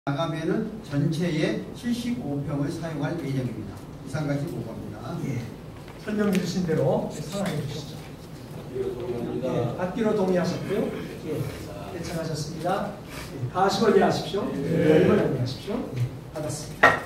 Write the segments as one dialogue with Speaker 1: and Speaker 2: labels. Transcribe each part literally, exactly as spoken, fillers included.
Speaker 1: 나가면은 전체의 칠십오 평을 사용할 예정입니다. 이상까지 보고합니다. 예.
Speaker 2: 설명 주신 대로 상황해 주시죠. 예, 받기로 동의하셨고요. 예, 대청하셨습니다. 예, 가십을 이해하십시오. 예, 이걸 동의하십시오. 예, 받았습니다.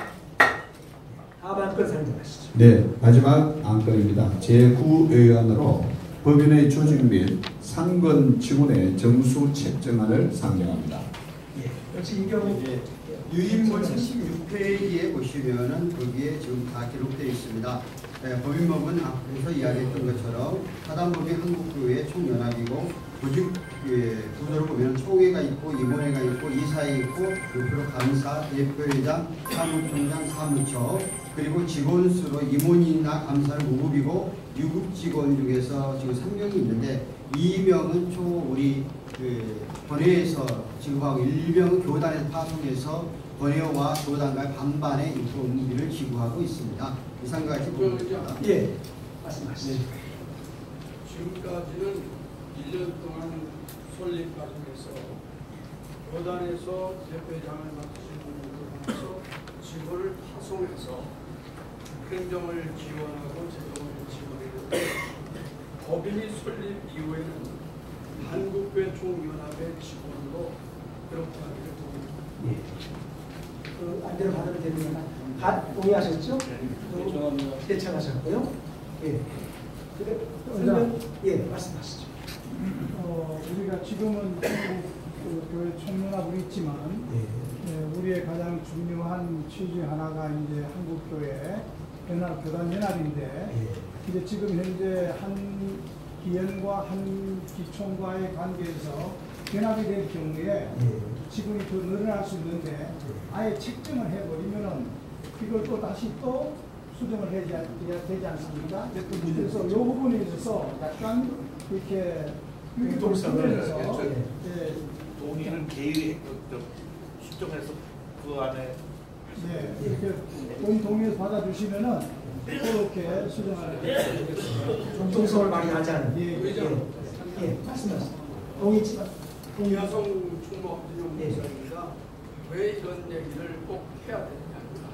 Speaker 2: 다음 안건 설명하시죠.
Speaker 3: 네, 마지막 안건입니다. 제구 의안으로 법인의 조직 및 상권 직원의 정수 책정안을 상정합니다.
Speaker 2: 예, 역시 이 경우
Speaker 1: 예, 유인물 삼십육 페이지에 보시면은 거기에 지금 다 기록되어 있습니다. 예, 법인법은 앞에서 이야기했던 것처럼 사단법인 한국교회 총연합이고 조직 예, 구조를 보면 총회가 있고 임원회가 있고 이사회 있고 대표 감사, 대표회장, 사무총장, 사무처 그리고 직원 수로 임원이나 감사는 오 급이고 육 급 직원 중에서 지금 삼 명이 있는데 이 명은 초 우리 그 번회에서 지급하고 일 명은 교단에서 파송해서 번회와 교단과 반반의 인건비를 지급하고 있습니다. 이상까지 보입니다.
Speaker 2: 예, 말씀하시죠.
Speaker 4: 지금까지는 일 년 동안 설립 과정에서 교단에서 대표장을 맡으신 분들을 통해서 직원을 파송해서 행정을 지원하고 재정을 지원했는데 법인이 설립 이후에는 한국교회 총연합의 직원으로 그렇게 하기를 동의합니다.
Speaker 2: 예. 그 안대로 받으면 됩니다. 다 동의하셨죠?
Speaker 4: 대청합니다.
Speaker 2: 대청하셨고요. 예. 그래, 설명, 예, 말씀하시죠.
Speaker 5: 어, 우리가 지금은 그 교회 총연합은 있지만
Speaker 2: 예.
Speaker 5: 예, 우리의 가장 중요한 취지 하나가 이제 한국교회 연합 교단 연합인데
Speaker 2: 예.
Speaker 5: 이제 지금 현재 한 기연과 한 기총과의 관계에서 연합이 될 경우에
Speaker 2: 예.
Speaker 5: 직원이 더 늘어날 수 있는데 아예 책정을 해버리면은 이걸 또 다시 또 수정을 해야 되지 않습니까? 그래서 이 부분에 있어서 약간 이렇게
Speaker 2: 유기동성을
Speaker 5: 예,
Speaker 6: 동의는 개의 수정해서 그 안에
Speaker 5: 네, 이렇게 본 동의해서 받아주시면은 그렇게 수정을
Speaker 2: 정통성을 많이 하지 않은.
Speaker 5: 예,
Speaker 2: 예, 예, 말씀하시죠. 동의지만.
Speaker 4: 여성 총무 엄진용
Speaker 2: 예.
Speaker 4: 목사입니다. 왜 이런 얘기를 꼭 해야 되느냐.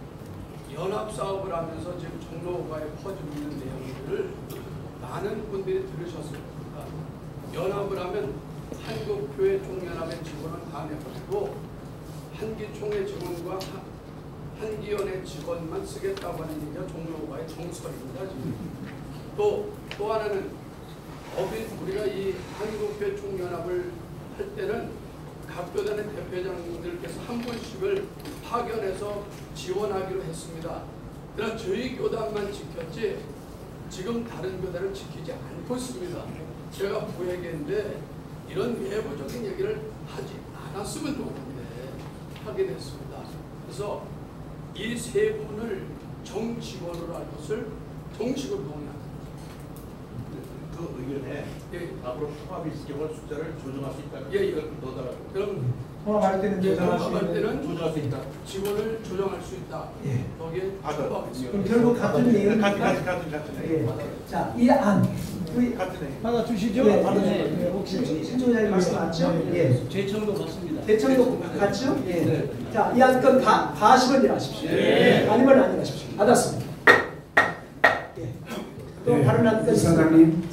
Speaker 4: 연합 사업을 하면서 지금 종로가에 퍼지고 있는 내용들을 많은 분들이 들으셨을 겁니다. 연합을 하면 한국교회 총연합의 직원은 다 내버리고 한기총회 직원과 한기연의 직원만 쓰겠다고 하는 얘기가 종로가의 정설입니다. 지금. 또, 또 하나는 법인 우리가 이 한국교회 총연합을 할 때는 각 교단의 대표장들께서 한 분씩을 파견해서 지원하기로 했습니다. 그러나 저희 교단만 지켰지 지금 다른 교단을 지키지 않고 있습니다. 제가 부회계인데 이런 외부적인 얘기를 하지 않았으면 좋겠는데 하게 됐습니다. 그래서 이 세 분을 정직원으로 할 것을 정식으로 동의합니다.
Speaker 6: 그 의견에
Speaker 4: 예.
Speaker 6: 앞으로 통합이 있을 경우 숫자를 조정할 수 있다.
Speaker 4: 예, 예.
Speaker 6: 넣어달라고.
Speaker 4: 그럼
Speaker 2: 통합할 때는
Speaker 4: 예,
Speaker 2: 조정할 수
Speaker 4: 통합할
Speaker 2: 있는.
Speaker 4: 때는
Speaker 6: 조정할 수 있다.
Speaker 4: 직원을 조정할 수 있다.
Speaker 2: 예.
Speaker 4: 거기에
Speaker 6: 아,
Speaker 4: 추가하겠습니다.
Speaker 2: 그럼 결국 같은
Speaker 6: 같은
Speaker 2: 내용입니까?
Speaker 6: 같은 같은 같은.
Speaker 2: 예. 자, 이 안. 우리
Speaker 6: 같은 애.
Speaker 5: 받아주시죠?
Speaker 2: 예,
Speaker 5: 받아주시죠.
Speaker 2: 예, 혹시 신조장님 말씀 맞죠? 예.
Speaker 7: 제청도 맞습니다.
Speaker 2: 대청도 같죠? 예. 자, 이 안건 다, 다 하시면 일하십시오.
Speaker 7: 예.
Speaker 2: 아니면 안 일하십시오. 받았습니다. 예. 또
Speaker 3: 네,
Speaker 2: 다른 안건
Speaker 3: 이사장님.